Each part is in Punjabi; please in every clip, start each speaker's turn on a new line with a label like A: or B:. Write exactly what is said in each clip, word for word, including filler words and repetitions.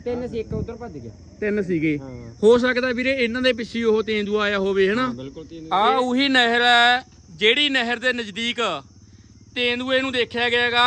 A: ਤਿੰਨ ਸੀ, ਇੱਕ ਉਧਰ ਭੱਜ ਗਿਆ।
B: ਤਿੰਨ ਸੀਗੇ। ਹੋ ਸਕਦਾ ਵੀਰੇ ਇਹਨਾਂ ਦੇ ਪਿੱਛੇ ਉਹ ਤੇਂਦੂਆ ਆਇਆ ਹੋਵੇ ਹਨਾ।
A: ਬਿਲਕੁਲ
B: ਆ ਉਹੀ ਨਹਿਰ ਹੈ ਜਿਹੜੀ ਨਹਿਰ ਦੇ ਨਜ਼ਦੀਕ ਤੇਂਦੂਏ ਨੂੰ ਦੇਖਿਆ ਗਿਆਗਾ।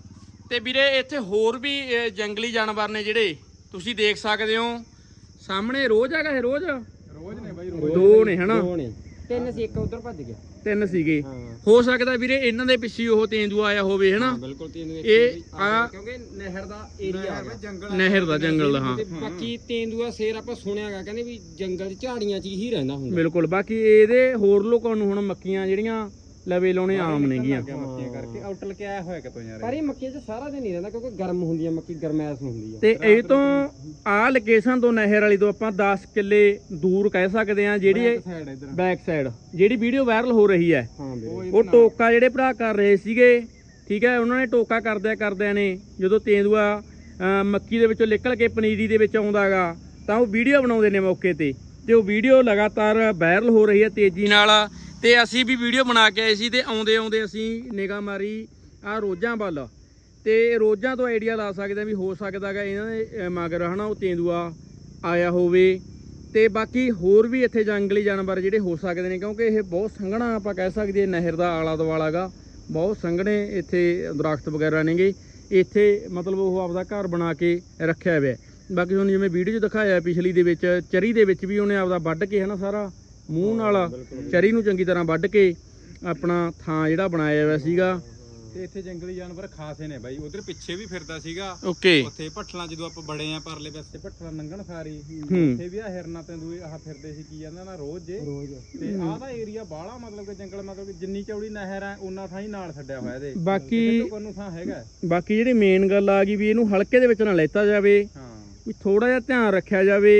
B: ਤੇ ਵੀਰੇ ਇੱਥੇ ਹੋਰ ਵੀ ਜੰਗਲੀ ਜਾਨਵਰ ਨੇ ਜਿਹੜੇ ਤੁਸੀਂ ਦੇਖ ਸਕਦੇ ਹੋ ਸਾਹਮਣੇ। ਰੋਜ਼ ਹੈਗਾ ਇਹ? ਰੋਜ਼
A: ਰੋਜ਼ ਨੇ ਬਾਈ,
B: ਦੋ ਨੇ ਹਨਾ।
A: ਤਿੰਨ ਸੀ, ਇੱਕ ਉਧਰ ਭੱਜ ਗਿਆ।
B: ਤਿੰਨ ਸੀਗੇ। ਹੋ ਸਕਦਾ ਵੀਰੇ ਇਹਨਾਂ ਦੇ ਪਿੱਛੇ ਉਹ ਤੇਂਦੂਆ ਆਇਆ ਹੋਵੇ ਹਨਾ।
A: ਬਿਲਕੁਲ ਤੇਂਦੂਏ
B: ਇਹ ਆ
A: ਕਿਉਂਕਿ ਨਹਿਰ ਦਾ ਏਰੀਆ ਆ ਜੰਗਲ,
B: ਨਹਿਰ ਦਾ ਜੰਗਲ ਦਾ। ਹਾਂ
A: ਬਾਕੀ ਤੇਂਦੂਆ ਸ਼ੇਰ ਆਪਾਂ ਸੁਣਿਆਗਾ ਕਹਿੰਦੇ ਵੀ ਜੰਗਲ ਝਾੜੀਆਂ 'ਚ ਹੀ ਰਹਿੰਦਾ ਹੁੰਦਾ।
B: ਬਿਲਕੁਲ। ਬਾਕੀ ਇਹਦੇ ਹੋਰ ਲੋਕਾਂ ਨੂੰ ਹੁਣ ਮੱਕੀਆਂ ਜਿਹੜੀਆਂ ਲਵੇ ਲਾਉਣੇ ਆਮ ਨੇਗੀਆਂ।
A: ਮੱਕੀਆਂ ਕਰਕੇ ਆਊਟਲ ਕੇ ਆਇਆ ਹੋਇਆ ਕਿਤੋਂ ਯਾਰ। ਪਰ ਇਹ ਮੱਕੀਆਂ 'ਚ ਸਾਰਾ ਦਿਨ ਨਹੀਂ ਰਹਿੰਦਾ ਕਿਉਂਕਿ ਗਰਮ ਹੁੰਦੀ ਆ ਮੱਕੀ, ਗਰਮੈਸ਼ ਹੁੰਦੀ ਆ।
B: ਤੇ ਇਹ ਤੋਂ ਆ ਲੋਕੇਸ਼ਨ ਤੋਂ ਨਹਿਰ ਵਾਲੀ ਤੋਂ ਆਪਾਂ ਦਸ ਕਿੱਲੇ ਦੂਰ ਕਹਿ ਸਕਦੇ ਆ ਜਿਹੜੀ ਬੈਕ ਸਾਈਡ ਜਿਹੜੀ ਵੀਡੀਓ ਵਾਇਰਲ ਹੋ ਰਹੀ ਹੈ। ਉਹ ਟੋਕਾ ਜਿਹੜੇ ਭਰਾ ਕਰ ਰਹੇ ਸੀਗੇ, ਠੀਕ ਹੈ, ਉਹਨਾਂ ਨੇ ਟੋਕਾ ਕਰਦਿਆਂ ਕਰਦਿਆਂ ਨੇ ਜਦੋਂ ਤੇਂਦੂਆ ਮੱਕੀ ਦੇ ਵਿੱਚੋਂ ਨਿਕਲ ਕੇ ਪਨੀਰੀ ਦੇ ਵਿੱਚ ਆਉਂਦਾਗਾ ਤਾਂ ਉਹ ਵੀਡੀਓ ਬਣਾਉਂਦੇ ਨੇ ਮੌਕੇ ਤੇ। ਤੇ ਉਹ ਵੀਡੀਓ ਲਗਾਤਾਰ ਵਾਇਰਲ ਹੋ ਰਹੀ ਹੈ ਤੇਜ਼ੀ ਨਾਲ। ਤੇ ਅਸੀਂ ਵੀ ਵੀਡੀਓ ਬਣਾ ਕੇ ਆਏ ਸੀ ਤੇ ਆਉਂਦੇ ਆਉਂਦੇ ਅਸੀਂ ਨਿਗਾਹ ਮਾਰੀ ਆ ਰੋਜ਼ਾਂ ਵੱਲ। ਤੇ ਰੋਜ਼ਾਂ ਤੋਂ ਆਈਡੀਆ ਲਾ ਸਕਦੇ ਆ ਵੀ ਹੋ ਸਕਦਾ ਗਾ ਇਹਨਾਂ ਦੇ ਮਗਰ ਹਨਾ ਉਹ ਤੇਂਦੂਆ ਆਇਆ ਹੋਵੇ। ਤੇ ਬਾਕੀ ਹੋਰ ਵੀ ਇੱਥੇ ਜੰਗਲੀ ਜਾਨਵਰ ਜਿਹੜੇ ਹੋ ਸਕਦੇ ਨੇ ਕਿਉਂਕਿ ਇਹ ਬਹੁਤ ਸੰਘਣਾ ਆਪਾਂ ਕਹਿ ਸਕਦੇ ਨਹਿਰ ਦਾ ਆਲਾ ਦੁਆਲਾ ਗਾ। ਬਹੁਤ ਸੰਘਣੇ ਇੱਥੇ ਦਰਖਤ ਵਗੈਰਾ ਨੇਗੇ। ਇੱਥੇ ਮਤਲਬ ਉਹ ਆਪਦਾ ਘਰ ਬਣਾ ਕੇ ਰੱਖਿਆ ਹੋਇਆ। ਬਾਕੀ ਤੁਹਾਨੂੰ ਜਿਵੇਂ ਵੀਡੀਓ 'ਚ ਦਿਖਾਇਆ ਪਿਛਲੀ ਦੇ ਵਿੱਚ ਚਰੀ ਦੇ ਵਿੱਚ ਵੀ ਉਹਨੇ ਆਪਦਾ ਵੱਢ ਕੇ ਹਨਾ ਸਾਰਾ ਮੂੰਹ ਨਾਲ ਚਰੀ ਨੂੰ ਚੰਗੀ ਤਰ੍ਹਾਂ ਵੱਢ ਕੇ ਆਪਣਾ ਥਾਂ ਜਿਹੜਾ ਬਣਾਇਆ ਹੋਇਆ ਸੀਗਾ।
C: ਤੇ ਇੱਥੇ ਜੰਗਲੀ ਜਾਨਵਰ ਖਾਸੇ ਨੇ ਬਾਈ। ਉਧਰ ਪਿੱਛੇ ਵੀ ਫਿਰਦਾ ਸੀਗਾ।
B: ਓਕੇ।
C: ਉੱਥੇ ਭੱਠਲਾਂ ਜਦੋਂ ਆਪਾਂ ਬੜੇ ਆ ਪਰਲੇ ਪਾਸੇ ਭੱਠਲਾਂ ਲੰਘਣ ਸਾਰੀ ਉੱਥੇ ਵੀ ਆ ਹਿਰਨਾ ਤੇ ਦੂਏ ਆਹ ਫਿਰਦੇ ਸੀ ਕੀ ਕਹਿੰਦਾ ਨਾ ਰੋਜ਼ ਜੇ। ਤੇ ਆਹ ਦਾ ਏਰੀਆ ਬਾਹਲਾ ਮਤਲਬ ਕਿ ਜੰਗਲ ਮਤਲਬ ਕਿ ਜਿੰਨੀ ਚੌੜੀ ਨਹਿਰ ਆ ਉਹਨਾਂ ਥਾਂ ਹੀ ਨਾਲ ਛੱਡਿਆ ਹੋਇਆ ਇਹਦੇ।
B: ਬਾਕੀ
C: ਨੂੰ ਥਾਂ ਹੈਗਾ।
B: ਬਾਕੀ ਜਿਹੜੀ ਮੇਨ ਗੱਲ ਆ ਗਈ ਵੀ ਇਹਨੂੰ ਹਲਕੇ ਦੇ ਵਿੱਚ ਨਾ ਲੈਤਾ ਜਾਵੇ।
C: ਹਾਂ
B: ਵੀ ਥੋੜਾ ਜਿਹਾ ਧਿਆਨ ਰੱਖਿਆ ਜਾਵੇ।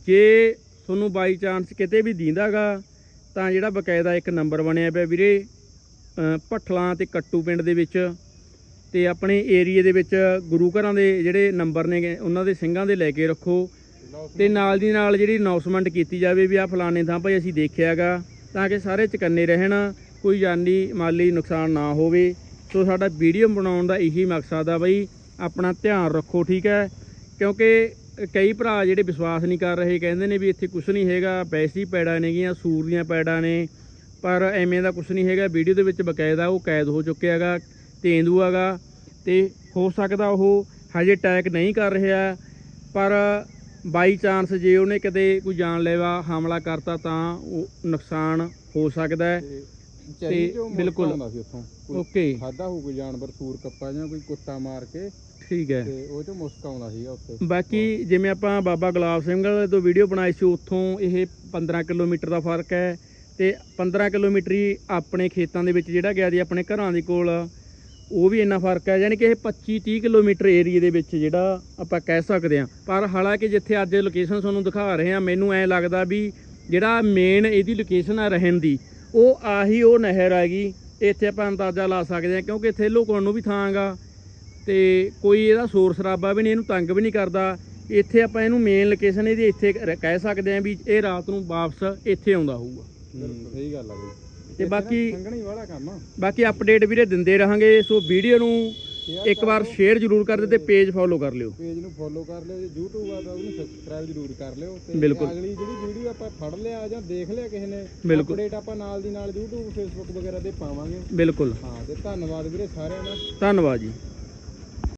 B: ਜੇ ਤੁਹਾਨੂੰ ਬਾਈ ਚਾਂਸ ਕਿਤੇ ਵੀ ਦੀਂਦਾਗਾ ਤਾਂ ਜਿਹੜਾ ਬਕਾਇਦਾ ਇੱਕ ਨੰਬਰ ਬਣਿਆ ਪਿਆ ਵੀਰੇ ਭੱਠਲਾਂ ਤੇ ਕੱਟੂ ਪਿੰਡ ਦੇ ਵਿੱਚ ਤੇ ਆਪਣੇ ਏਰੀਏ ਦੇ ਵਿੱਚ ਗੁਰੂ ਘਰਾਂ ਦੇ ਜਿਹੜੇ ਨੰਬਰ ਨੇ ਉਹਨਾਂ ਦੇ ਸਿੰਘਾਂ ਦੇ ਲੈ ਕੇ ਰੱਖੋ। ਤੇ ਨਾਲ ਦੀ ਨਾਲ ਜਿਹੜੀ ਅਨਾਉਂਸਮੈਂਟ ਕੀਤੀ ਜਾਵੇ ਵੀ ਆਹ ਫਲਾਣੇ ਥਾਂ ਭਾਈ ਅਸੀਂ ਦੇਖਿਆਗਾ ਤਾਂ ਕਿ ਸਾਰੇ ਚੁਕੰਨੇ ਰਹਿਣ, ਕੋਈ ਜਾਨੀ ਮਾਲੀ ਨੁਕਸਾਨ ਨਾ ਹੋਵੇ। ਸੋ ਸਾਡਾ ਵੀਡੀਓ ਬਣਾਉਣ ਦਾ ਇਹੀ ਮਕਸਦ ਆ ਬਈ ਆਪਣਾ ਧਿਆਨ ਰੱਖੋ, ਠੀਕ ਹੈ। ਕਿਉਂਕਿ ਕਈ ਭਰਾ ਜਿਹੜੇ ਵਿਸ਼ਵਾਸ ਨਹੀਂ ਕਰ ਰਹੇ ਕਹਿੰਦੇ ਨੇ ਵੀ ਇੱਥੇ ਕੁਛ ਨਹੀਂ ਹੈਗਾ, ਵੈਸੀ ਪੈੜਾਂ ਨੇਗੀਆਂ, ਸੂਰ ਦੀਆਂ ਪੈੜਾਂ ਨੇ, ਪਰ ਐਵੇਂ ਦਾ ਕੁਛ ਨਹੀਂ ਹੈਗਾ। ਵੀਡੀਓ ਦੇ ਵਿੱਚ ਬਕਾਇਦਾ ਉਹ ਕੈਦ ਹੋ ਚੁੱਕਿਆ ਹੈਗਾ ਤੇਂਦੂਆ ਗਾ। ਤੇ ਹੋ ਸਕਦਾ ਉਹ ਹਜੇ ਅਟੈਕ ਨਹੀਂ ਕਰ ਰਿਹਾ, ਪਰ ਬਾਈ ਚਾਂਸ ਜੇ ਉਹਨੇ ਕਿਤੇ ਕੋਈ ਜਾਨਲੇਵਾ ਹਮਲਾ ਕਰਤਾ ਤਾਂ ਉਹ ਨੁਕਸਾਨ ਹੋ ਸਕਦਾ ਹੈ। ਤੇ ਬਿਲਕੁਲ ਓਕੇ
C: ਖਾਦਾ ਹੋਊ ਕੋਈ ਜਾਨਵਰ, ਸੂਰ ਕੱਪਾ ਜਾਂ ਕੋਈ ਕੁੱਤਾ ਮਾਰ ਕੇ,
B: ਠੀਕ ਹੈ।
C: ਤੇ ਉਹ ਚੋਂ ਮੁਸਕ ਆਉਂਦਾ ਸੀਗਾ ਉੱਥੇ।
B: ਬਾਕੀ ਜਿਵੇਂ ਆਪਾਂ ਬਾਬਾ ਗੁਲਾਬ ਸਿੰਘ ਤੋਂ ਵੀਡੀਓ ਬਣਾਈ ਸੀ ਉੱਥੋਂ ਇਹ ਪੰਦਰਾਂ ਕਿਲੋਮੀਟਰ ਦਾ ਫਰਕ ਹੈ। ਤੇ ਪੰਦਰਾਂ ਕਿਲੋਮੀਟਰ ਹੀ ਆਪਣੇ ਖੇਤਾਂ ਦੇ ਵਿੱਚ ਜਿਹੜਾ ਗਿਆ ਦੀ ਆਪਣੇ ਘਰਾਂ ਦੇ ਕੋਲ ਉਹ ਵੀ ਇੰਨਾ ਫਰਕ ਹੈ। ਯਾਨੀ ਕਿ ਇਹ ਪੱਚੀ ਤੀਹ ਕਿਲੋਮੀਟਰ ਏਰੀਏ ਦੇ ਵਿੱਚ ਜਿਹੜਾ ਆਪਾਂ ਕਹਿ ਸਕਦੇ ਹਾਂ। ਪਰ ਹਾਲਾਂਕਿ ਜਿੱਥੇ ਅੱਜ ਲੋਕੇਸ਼ਨ ਤੁਹਾਨੂੰ ਦਿਖਾ ਰਹੇ ਹਾਂ ਮੈਨੂੰ ਐਂ ਲੱਗਦਾ ਵੀ ਜਿਹੜਾ ਮੇਨ ਇਹਦੀ ਲੋਕੇਸ਼ਨ ਆ ਰਹਿਣ ਦੀ ਉਹ ਆਹੀ ਉਹ ਨਹਿਰ ਹੈਗੀ। ਇੱਥੇ ਆਪਾਂ ਅੰਦਾਜ਼ਾ ਲਾ ਸਕਦੇ ਹਾਂ ਕਿਉਂਕਿ ਇੱਥੇ ਲੁਕਣ ਨੂੰ ਵੀ ਥਾਂ ਗਾ ਤੇ ਕੋਈ ਇਹਦਾ ਸ਼ੋਰ ਸ਼ਰਾਬਾ ਵੀ ਨਹੀਂ, ਇਹਨੂੰ ਤੰਗ ਵੀ ਨਹੀਂ ਕਰਦਾ। ਇੱਥੇ ਆਪਾਂ ਇਹਨੂੰ ਮੇਨ ਲੋਕੇਸ਼ਨ ਇਹਦੀ ਇੱਥੇ ਕਹਿ ਸਕਦੇ ਹਾਂ ਵੀ ਇਹ ਰਾਤ ਨੂੰ ਵਾਪਸ ਇੱਥੇ ਆਉਂਦਾ ਹੋਊਗਾ।
C: ਸਹੀ ਗੱਲ ਆ ਬਈ।
B: ਤੇ ਬਾਕੀ
C: ਸੰਘਣੀ ਵਾਲਾ ਕੰਮ ਆ।
B: ਬਾਕੀ ਅਪਡੇਟ ਵੀਰੇ ਦਿੰਦੇ ਰਹਾਂਗੇ। ਸੋ ਵੀਡੀਓ ਨੂੰ ਇੱਕ ਵਾਰ ਸ਼ੇਅਰ ਜ਼ਰੂਰ ਕਰ ਦਿਓ ਤੇ ਪੇਜ ਫੋਲੋ ਕਰ ਲਿਓ।
C: ਪੇਜ ਨੂੰ ਫੋਲੋ ਕਰ ਲਿਓ। ਜੇ YouTube ਆ ਤਾਂ ਉਹਨੂੰ ਸਬਸਕ੍ਰਾਈਬ ਜ਼ਰੂਰ ਕਰ ਲਿਓ। ਤੇ
B: ਬਿਲਕੁਲ।
C: ਅਗਲੀ ਜਿਹੜੀ ਵੀਡੀਓ ਆਪਾਂ ਫੜ ਲਿਆ ਜਾਂ ਦੇਖ ਲਿਆ ਕਿਸੇ ਨੇ ਅਪਡੇਟ ਆਪਾਂ ਨਾਲ ਦੀ ਨਾਲ YouTube Facebook ਵਗੈਰਾ ਤੇ ਪਾਵਾਂਗੇ।
B: ਬਿਲਕੁਲ।
C: ਹਾਂ ਤੇ ਧੰਨਵਾਦ ਵੀਰੇ ਸਾਰਿਆਂ ਦਾ।
B: ਧੰਨਵਾਦ ਜੀ।